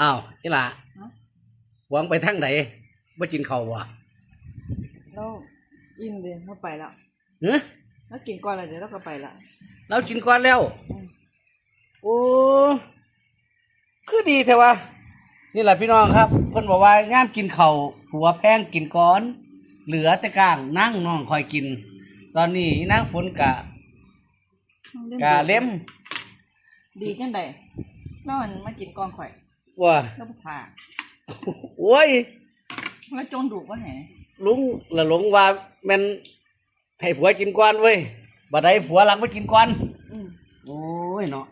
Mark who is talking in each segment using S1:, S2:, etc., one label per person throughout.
S1: อ้าวนี่ล่ะหวังไปทางไหนไม่กินข้าววะ
S2: เราอิ่มเลยเราไปแล้ว
S1: เฮ้ย
S2: เรากินก่อนแล้วเดี๋ยวเราก็ไปละ
S1: เรากินก่อนแล้วโอ้คือดีเถอะวะนี่แหละพี่น้องครับเพิ่นบอกว่าง่ามกินข้าวหัวแพงกินก้อนเหลือแต่กลางนั่งน้องคอยกินตอนนี้นั่งฝนกะเล็ม
S2: ดีจังใดแล้วมันมากินก่อนข่อย
S1: ว่า
S2: แล้วผ่า
S1: โอ้ย
S2: แล้วจงดุว่าแหน
S1: ลุงละหลงว่ามันให้ผัวกินก้อนเว้ยบัดใดผัวหลังไปกินก้อนโอ้ยเนาะ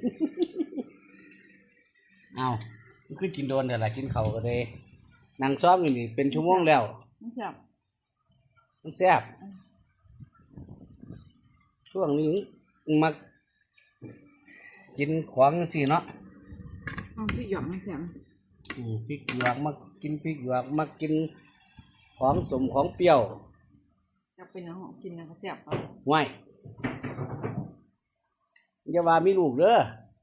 S1: เอาคือกินโดนแต่ละกินเขาก็เลยนั่งซ้อมอยู่นี่เป็นชั่วโมงแล้วมันแซ่บช่วงนี้มากินของสิเนาะ
S2: พริกหยวกมันแซ่บ
S1: พริกหยวกมากินพริกหยวกมากินของสมของเปรี้ยว
S2: จะเป็นน้ำกินน้ำแซ่บ
S1: ง่ายอย่าว่ามีลูกเด้อ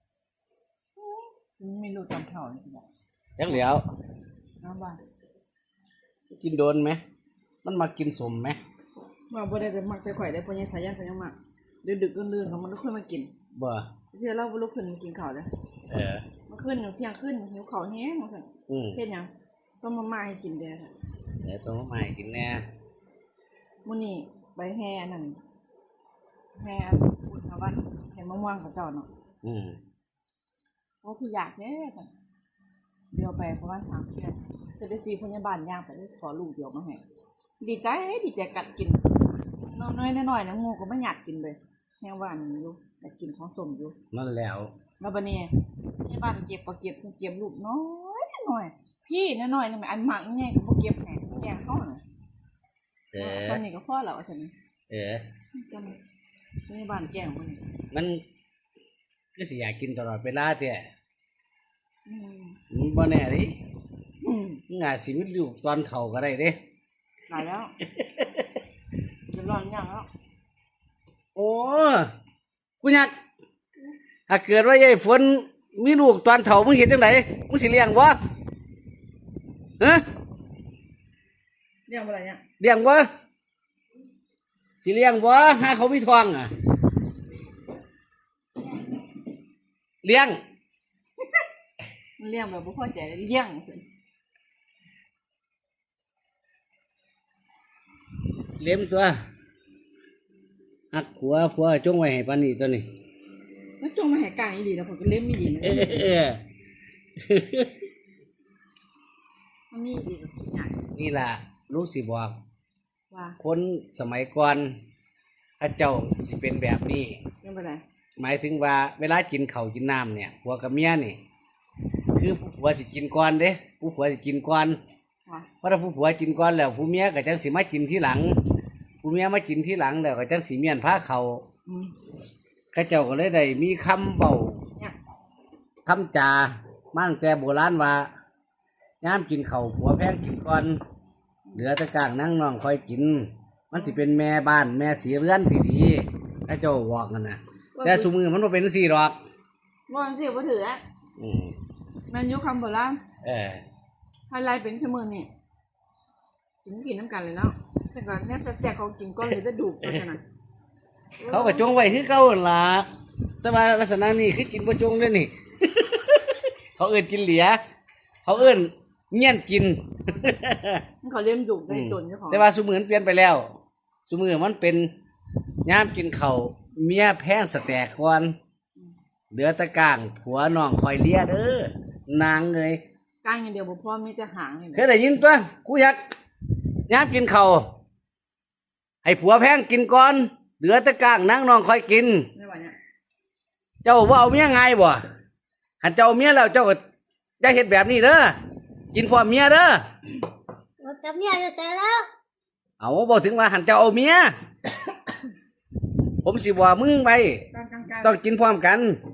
S2: มีลูกตามเท่าเลย
S1: ยังเหลียว
S2: น้ำบ้าน
S1: กินโดนไหมมันมากินสมไหม
S2: ว่าบ่ได้แต่มักแต่ข่อยได้พอยังสายันพอยังมากดึกๆดื่นๆของมันลุกขึ้นมากิน
S1: บ่
S2: ที่เราลุกขึ้นมากินข้าวเลยมาขึ้นเที่ยงขึ้นหิวข้าวแห้งมาสั่งเพ็ดยังต้องมาให้กินเด้อ
S1: ต้องมาให้กินแน่
S2: มื้อนี้ไปแห่นั่นแห่บุญวันแห่มะม่วงกับเจ้าเนาะโอ้คืออยากแน่สั่งเดียวไปเพราะว่า3 เดือนจะได้ซีพยาบาลย่างไปขอลูกเดียวมาให้ดีใจกัดกินน้อยๆนะงูก็ไม่อยากกินเลยแห้งหวานอยู่อยากกินของสมอยู่
S1: นั่นแล้ว
S2: บัดนี้พยาบาลเก็บลูกน้อยพี่น้อยๆนี่อันหมักนี่ก็บ่เก็บแหงแกงเขาน่ะส่วนนี้ก็พอแล้วซั่นจำพยาบาลแกง
S1: มันก็สิอยากกินตลอดเวลาแท้มันบ่แน่ดิงาสิมีลูกตอนเข้าก็ได้เด้
S2: ตายแล้วจะร้อนยังแล้ว
S1: โอ้กูอยากถ้าเกิดว่ายายฝนมีลูกตอนเฒ่ามึงเห็นจังไดมึงสิเลี้ยงบ่ฮะ
S2: เลี้ยงบ่ล่ะเนี่ย
S1: เลี้ยงบ่สิเลี้ยงบ่หาเขามีท้องอ่ะเลี้ยง
S2: เลี้ยงแบบบ่พอใจเลี้ยง
S1: เลี้ยงตัวหักหัวผัวจงไว้ให้ปานนี้ตัวนี้
S2: แล้วจงมาให้กลางอีหลีแล้วผมก็เลี้ยงไม่ดีนะมันมีดีกับขี้ใหญ่
S1: นี่ล่ะลูกสิบอก
S2: ว่า
S1: คนสมัยก่อนพระเจ้าสิเป็นแบบนี้
S2: เป็นแบบไหน
S1: หมายถึงว่าเวลากินข้าวกินน้ำเนี่ยผัวกับเมียนี่คือผู้ผัวสิกินก่อนเด้ผู้ผัวสิกินก่อนเพราะถ้าผู้ผัวกินก่อนแล้วผู้เมียก็จังสิมากินทีหลังผู้เมียมากินทีหลังแล้วก็จังสิเมียนพาเขาข้าเจ้าก็เลยได้มีคำเบาคำจามั่งแต่โบราณว่าย้ำกินเข่าผัวแพงกินก่อนเหลือแต่กลางนั่งน้องคอยกินมันสิเป็นแม่บ้านแม่สีเรือนที่ดีข้าเจ้าบอกกันนะแต่สมือมันบ่เป็นสีหรอก
S2: ว่าสิบ่ถือแล้วมันยุคคำโบราณอะไรเป็นชั่วโมงนี่กินน้ำกันเลยเนาะแต่ก่อนเนี่ยแซ่บๆเขากินก้อนเลยจะดุกันขนาด
S1: เขาก็จงไว้คือเก่าล่ะแต่ว่าลักษณะนี้คือกินบ่จงเลยนี่ เขาเอิ้นกินเหลียเขาเอิ้นเงี้ยนกิน
S2: เขาเลี้ยงดุได้จนเจ้าของ
S1: แต่ว่าสมือมันเปลี่ยนไปแล้วสมือมันเป็นย่ามกินข้าวเมียแพงสแตกก่อนเหลือตะกางผัวน้องคอยเลี้ยเด้อนางเลย
S2: กางอย่างเดียวบ่พอมีแต่หาง
S1: เคยได้ยินตัวกูอยากย่ามกินข้าวให้ผัวแพงกินก่อนเหลือแต่กลางนั่งน้องคอยกินเจ้าว่าเอาเมียไงบ่หันเจ้าเมียแล้วเจ้าก็ได้เห็นแบบนี้เด้อกินพร้อมเมียเด้อ
S3: จับเมียอยู่แต่แล้ว
S1: เอาบอกถึงว่าหันเจ้าเอาเมีย ผมสิว่ามึงไปต้องกินพร้อมกัน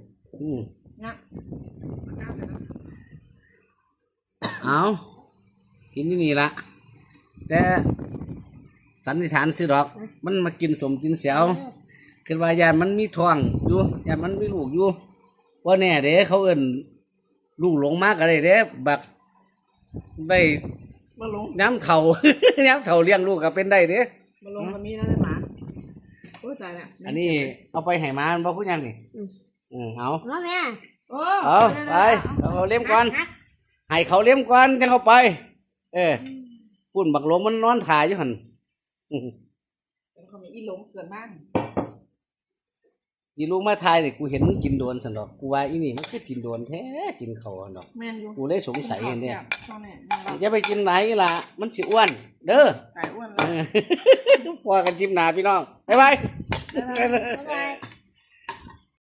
S1: เอากินนี่ละแต่สันนิษฐานสิดอกมันมากินสมกินเสียวคือว่ายานมันมีท้องอยู่ยานมันมีลูกอยู่ว่าแน่เด้เขาเอิ้นลูกหลงมากก็ได้เด้บักได้
S2: มาลง
S1: ย้ำเท่า ย้ำเท่าเลี้ยงลูกก็เป็นได้เด้
S2: มาลงกับมีแล้วได้หมาโอ้ยตายแล้ว
S1: อันนี้เอาไปให้หมามันบ่พูดยังนี่เอา
S3: มาแม่
S2: โอ้
S1: เอาไปเอาเลี้ยงก่อน
S3: หัก
S1: ให้เขาเลี้ยงก่อนจังเอาไป ปุ่นบักหลงมันนอนถ่ายอยู่หั่น
S2: เขามีอีหลงเกินบ้าน
S1: อีลูกมาถ่ายนี่กูเห็นมันกินโดนซั่นดอกกูว่าอีนี่มันคือกินโดนแท้กินเขาหั่นดอก
S2: แม่นอยู่
S1: กูเลยสงสัยเนี่ย
S2: ชอบแม่
S1: อย่าไปกินไหนล่ะ มันสิอ้วน เด้อ
S2: ไก่อ้วนแล้ว
S1: พอกันจิ้มหนาพี่น้อง บ๊ายบาย
S3: บ๊ายบาย